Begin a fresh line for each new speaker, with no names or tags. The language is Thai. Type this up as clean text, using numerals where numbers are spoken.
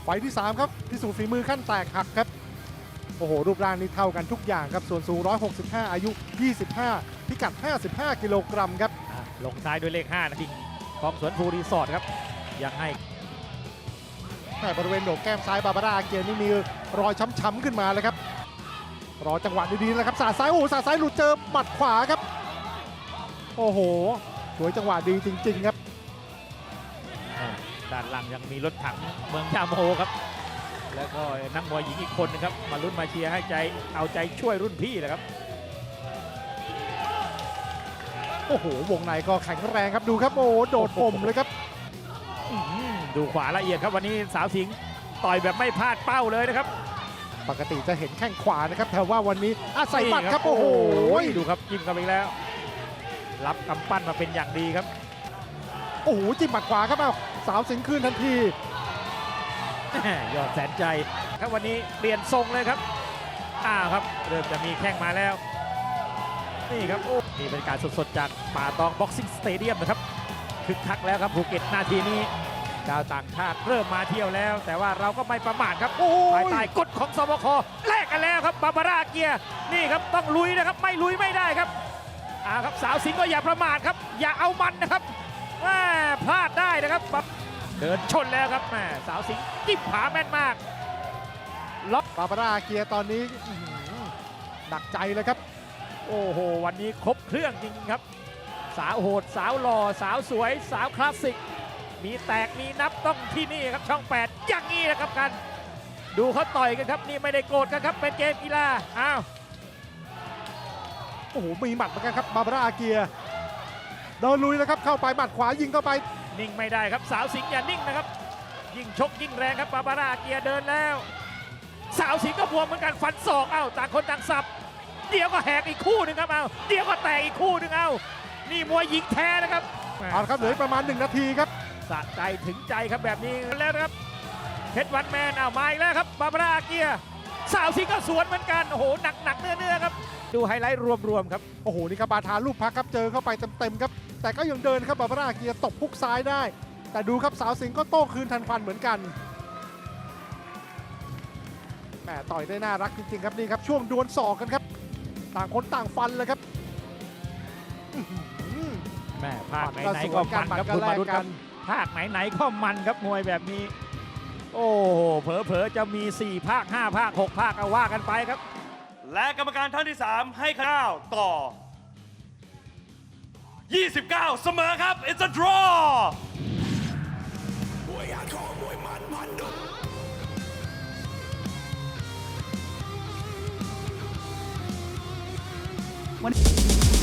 ไฟล์ที่3ครับพิสูจน์ฝีมือขั้นแตกหักครับโอ้โหรูปร่างนี่เท่ากันทุกอย่างครับส่วนสูง165อายุ25พิกัด55กิโลกรัมครับ
ลงท้ายด้วยเลข5นะทิงของสวนภูรีสอร์ทครับยังให้
แต่บริเวณโหนกแก้มซ้ายบาบาร่าอาเกียนี่มีรอยช้ำๆขึ้นมาเลยครับรอจังหวะดีๆนะครับสาดซ้ายโอ้สาดซ้ายหลุดเจอหมัดขวาครับโอ้โหสวยจังหวะดีจริงๆครับ
ด้านหลังยังมีรถถังเมืองยาโมครับแล้วก็นักมวยหญิงอีกคนนึงครับมาลุ้นมาเชียร์ให้ใจเอาใจช่วยรุ่นพี่นะครับ
โอ้โหวงในก็แข็งแรงครับดูครับโอ้โดดผมเลยครับ
ดูขวาละเอียดครับวันนี้สาวสิงห์ต่อยแบบไม่พลาดเป้าเลยนะครับ
ปกติจะเห็นแข้งขวานะครับแต่ว่าวันนี้อาศัยหมัดครับโอ้โห
ดูครับจิ้มกันไปแล้วรับกำปั้นมาเป็นอย่างดีครับ
โอ้โหจิ้มหมัดขวาครับเอาสาวสิงห์คืนทันที
ยอดแสนใจครับวันนี้เปลี่ยนทรงเลยครับครับเริ่มจะมีแข้งมาแล้วนี่ครับนี่บรรยากาศสดๆจากป่าตองบ็อกซิ่งสเตเดียมนะครับคึกคักแล้วครับภูเก็ตนาทีนี้ดาวต่างชาติเริ่มมาเที่ยวแล้วแต่ว่าเราก็ไม่ประมาทครับภายใต้กฎของสบคแลกกันแล้วครับบาบาร่าเกียร์นี่ครับต้องลุยนะครับไม่ลุยไม่ได้ครับครับสาวสิงห์ก็อย่าประมาทครับอย่าเอามันนะครับพลาดได้นะครับเดินชนแล้วครับสาวสิงห์จิ้มผาแม่นมาก
ล็อกบาบาร่าเกียร์ตอนนี้หนักใจเลยครับ
โอ้โหวันนี้ครบเครื่องจริงๆครับสาวโหดสาวหล่อสาวสวยสาวคลาสสิกมีแตกมีนับต้องที่นี่ครับช่อง8อย่างนี้นะครับกันดูเขาต่อยกันครับนี่ไม่ได้โกรธกันครับเป็นเกมกีฬา
โอ้โหมีหมัดเหมือนกันครับบาบาร่าอาเกียเดินลุยแล้วครับเข้าไปหมัดขวายิงเข้าไป
นิ่งไม่ได้ครับสาวสิงห์อย่านิ่งนะครับยิ่งชกยิ่งแรงครับบาบาร่าอาเกียเดินแล้วสาวสิงห์ก็บวมเหมือนกันฟันศอกต่างคนต่างสับเดี๋ยวก็แหกอีกคู่หนึ่งครับเดี๋ยวก็แตกอีกคู่หนึ่งนี่มวยหญิงแท้นะครับ
ครับเหลือประมาณ1นาทีครับ
สะใจถึงใจครับแบบนี้แล้วนะครับเพชรวันแมนมาอีกแล้วครับบาบาร่าอาเกียสาวสิงห์ก็สวนเหมือนกันโอ้โหหนักเนื้อครับดูไฮไลท์รวมๆครับ
โอ้โหนี่ครับบาทาลูกพักครับเจอเข้าไปเต็มๆครับแต่ก็ยังเดินครับบาบาร่าอาเกียตบพุกซ้ายได้แต่ดูครับสาวสิงห์ก็โต้คืนทันควันเหมือนกันแหมต่อยได้น่ารักจริงๆครับนี่ครับช่วงดวลศอกกันครับต่างคนต่างฟันเลยครับ
แม่ภาคไหนๆก็มันครับคุณมาดูกันภาคไหนๆก็มันครับมวยแบบนี้โอ้โหเผลอๆจะมี4ภาค5ภาค6ภาคเอาว่ากันไปครับ
และกรรมการท่านที่3ให้คะแนนต่อ29เสมอครับ It's a draw
วัน